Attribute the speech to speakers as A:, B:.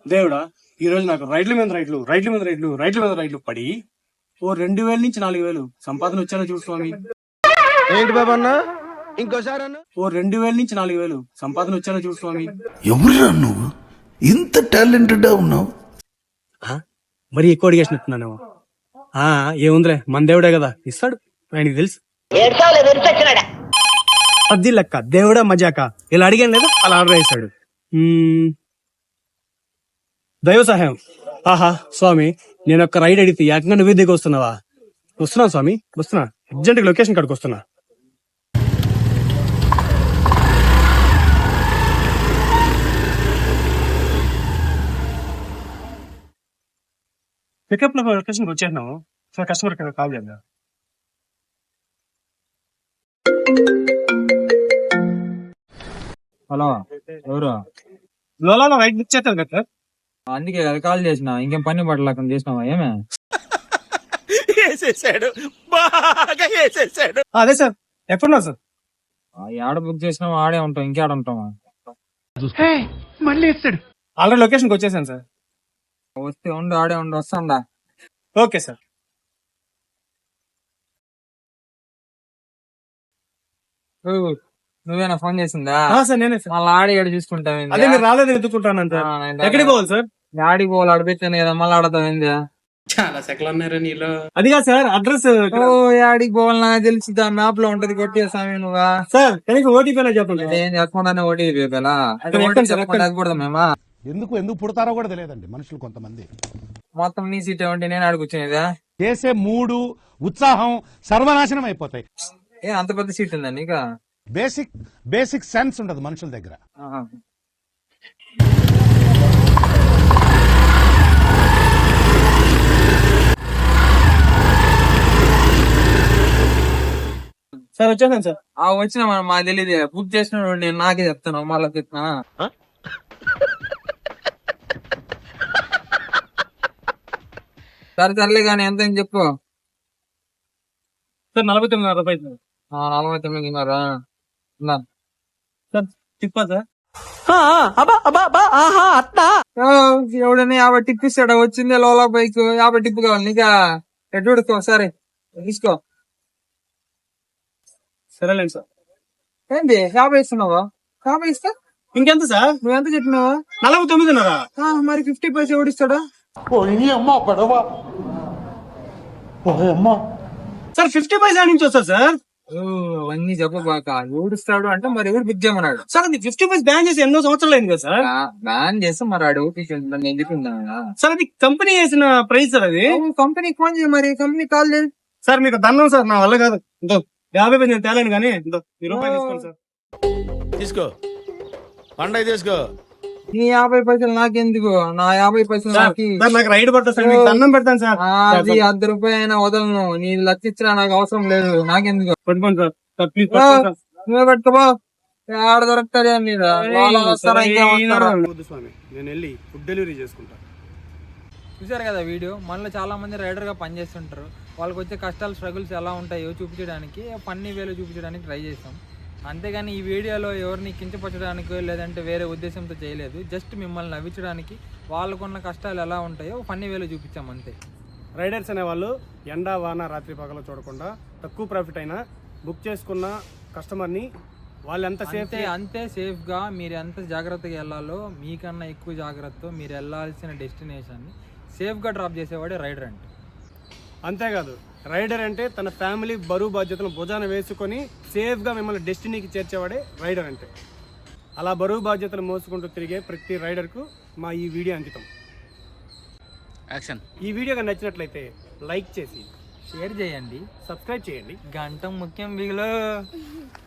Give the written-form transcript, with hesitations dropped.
A: దేవుడా ఈ రోజు నాకు రైట్ల మీద రైట్లు పడి ఓ 2000 నుంచి 4000 సంపాదన వచ్చానో చూడు స్వామి.
B: ఏంటి బాబా అన్న ఇంకోసారి అన్న
A: ఓ 2000 నుంచి 4000 సంపాదన వచ్చానో చూడు స్వామి.
C: ఎవరురా నువ్వు ఇంత టాలెంటెడ్ ఉన్నావు?
A: మరి ఎక్కువ అడిగేసినట్టున్నానేమో. ఏముందిలే, మన దేవుడే కదా ఇస్తాడు, ఆయనకి తెలుసు. అది లెక్క దేవుడా మజాక ఇలా అడిగాను లేదా అలా ఆర్డర్ చేశాడు. దైవ సహాయం. ఆహా స్వామి, నేను ఒక రైడ్ అడిగితే ఏకంగా నువ్వే దిగి వస్తున్నావా? వస్తున్నా స్వామి, వస్తున్నా. అర్జెంట్ లొకేషన్ కాడికి వస్తున్నా. పికప్ లో లొకేషన్కి వచ్చేసినాము. సార్ కస్టమర్ కాల్ చేద్దాం.
D: హలో, ఎవరు?
A: లోలాలో రైడ్ బుక్ చేస్తారు కదా సార్.
D: అందుకే కదా కాల్ చేసిన. ఇంకేం పని పడలేకుండా చేసినావా? ఏమే
A: అదే సార్, ఎప్పుడున్నా సార్?
D: ఆడ బుక్ చేసినావు ఆడే ఉంటాం, ఇంకేడ ఉంటావా?
A: ఆల్రెడీ లొకేషన్కి వచ్చేసాను సార్.
D: వస్తే ఉండు, ఆడే ఉండు, వస్తాందా?
A: Okay sir.
D: నువ్వేనా ఫోన్ చేసిందా?
A: సార్ నేనే సార్.
D: మళ్ళీ ఆడి ఆడ చూసుకుంటావు.
A: అదే మీరు రాలేదు ఎత్తుకుంటాను సార్. ఎక్కడికి పోవాలి సార్?
D: ఆడికి పోవాలి, ఆడిపోయాను కదా, మళ్ళీ ఆడతావు.
A: చాలా సెకలు ఉన్నారా నీలో? అది కాదు సార్, అడ్రస్
D: ఆడికి పోవాలి నాకు తెలుసు, మ్యాప్ లో ఉంటది. కొట్టేసామి నువ్వా
A: సార్? కనీసం ఓటీపీ చెప్పండి.
D: ఏం చెప్పకుండానే ఓటీపీ చెప్పకూడదు మేమా?
C: ఎందుకు పుడతారో కూడా తెలియదండి మనుషులు కొంతమంది.
D: మొత్తం నీ సీట్ ఏమంటే నేను ఆడుకొచ్చినదా?
C: చేసే మూడు ఉత్సాహం సర్వనాశనం అయిపోతాయి.
D: అంత పెద్ద సీట్ ఉందా నీకు?
C: బేసిక్ సెన్స్ ఉండదు మనుషుల దగ్గర.
A: సార్ వచ్చేసాను సార్.
D: వచ్చిన మాకు తెలియదు. బుక్ చేసిన నేను నాకే చెప్తాను, మళ్ళీ చెప్తున్నా. సర్లే కానీ ఎంత అని చెప్పు
A: సార్. 49 రూపాయలు.
D: 49
A: సార్ తిప్పా సార్.
D: ఎవడైనా 50 టిప్ ఇస్తాడా? వచ్చిందే లోలా బైక్, 50 టిప్ కావాలి నీకా? ఎట్టుకో సరే తీసుకో.
A: సరేలేండి సార్.
D: ఏంటి 50 ఇస్తున్నావా? 50 ఇస్తా.
A: ఇంకెంత సార్?
D: నువ్వెంత చెప్పినావా?
A: 49.
D: మరి 50 పైసా ఎవడిస్తాడా?
A: సార్ 50 పైసా నుంచి వస్తా సార్.
D: అవన్నీ చెప్పబాక. ఎవడిస్తాడు అంటే మరి ఎవరు బుక్ చేయమన్నాడు?
A: సార్ అది 50 పైసా బ్యాన్ చేసి ఎన్నో సంవత్సరాలు అయింది కదా సార్.
D: బ్యాన్ చేస్తే మరి ఆడు నేను చెప్పిందా?
A: సార్ అది కంపెనీ వేసిన ప్రైస్ సార్. అది
D: కంపెనీకి ఫోన్ చేయ, మరి కంపెనీ కాల్ చేయి.
A: సార్ మీకు దండం సార్, నా వల్ల కాదు. 50 పైసలు నేను తేలేను కానీ రూపాయలు తీసుకోండి సార్.
B: తీసుకో, పండగ తీసుకో.
D: నీ 50 పైసలు నాకెందుకు? నా 50 పైసలు
A: నాకు రైడ్ పడతా సార్, మీకు దండం పెడతాను సార్.
D: అది 10 రూపాయలు అయినా వదలను. నీ 1,00,000 ఇచ్చినా నాకు అవసరం లేదు, నాకెందుకు?
A: పట్టుకోండి సార్ ప్లీజ్.
D: నువ్వే పట్టుకోబో, ఆడ దొరుకుతాడే మీద.
A: స్వామి నేను వెళ్ళి ఫుడ్ డెలివరీ చేసుకుంటా.
D: చూసారు కదా వీడియో. మనలో చాలా మంది రైడర్ గా పనిచేస్తుంటారు. వాళ్ళకి వచ్చే కష్టాలు, స్ట్రగుల్స్ ఎలా ఉంటాయో చూపించడానికి ఫన్నీ వేలో చూపించడానికి ట్రై చేస్తాం. అంతేగాని ఈ వీడియోలో ఎవరిని కించపరచడానికి లేదంటే వేరే ఉద్దేశంతో చేయలేదు. జస్ట్ మిమ్మల్ని నవ్వించడానికి వాళ్ళకున్న కష్టాలు ఎలా ఉంటాయో ఫన్నీ వేలో చూపించాం అంతే.
A: రైడర్స్ అనేవాళ్ళు ఎండ వాన రాత్రి పగలు చూడకుండా తక్కువ ప్రాఫిట్ అయినా బుక్ చేసుకున్న కస్టమర్ని వాళ్ళు ఎంత
D: అంతే సేఫ్గా మీరు ఎంత జాగ్రత్తగా వెళ్ళాలో మీకన్నా ఎక్కువ జాగ్రత్తతో మీరు వెళ్ళాల్సిన డెస్టినేషన్ని సేఫ్గా డ్రాప్ చేసేవాడే రైడర్ అంటే.
A: అంతేకాదు, రైడర్ అంటే తన ఫ్యామిలీ బరువు బాధ్యతను భుజాన వేసుకొని సేఫ్గా మిమ్మల్ని డెస్టినీకి చేర్చేవాడే రైడర్ అంటే. అలా బరువు బాధ్యతలు మోసుకుంటూ తిరిగే ప్రతి రైడర్కు మా ఈ వీడియో అంకితం.
B: యాక్షన్.
A: ఈ వీడియో నచ్చినట్లయితే లైక్ చేసి
D: షేర్ చేయండి,
A: సబ్స్క్రైబ్ చేయండి.
D: గంట ముఖ్యం బిగులో.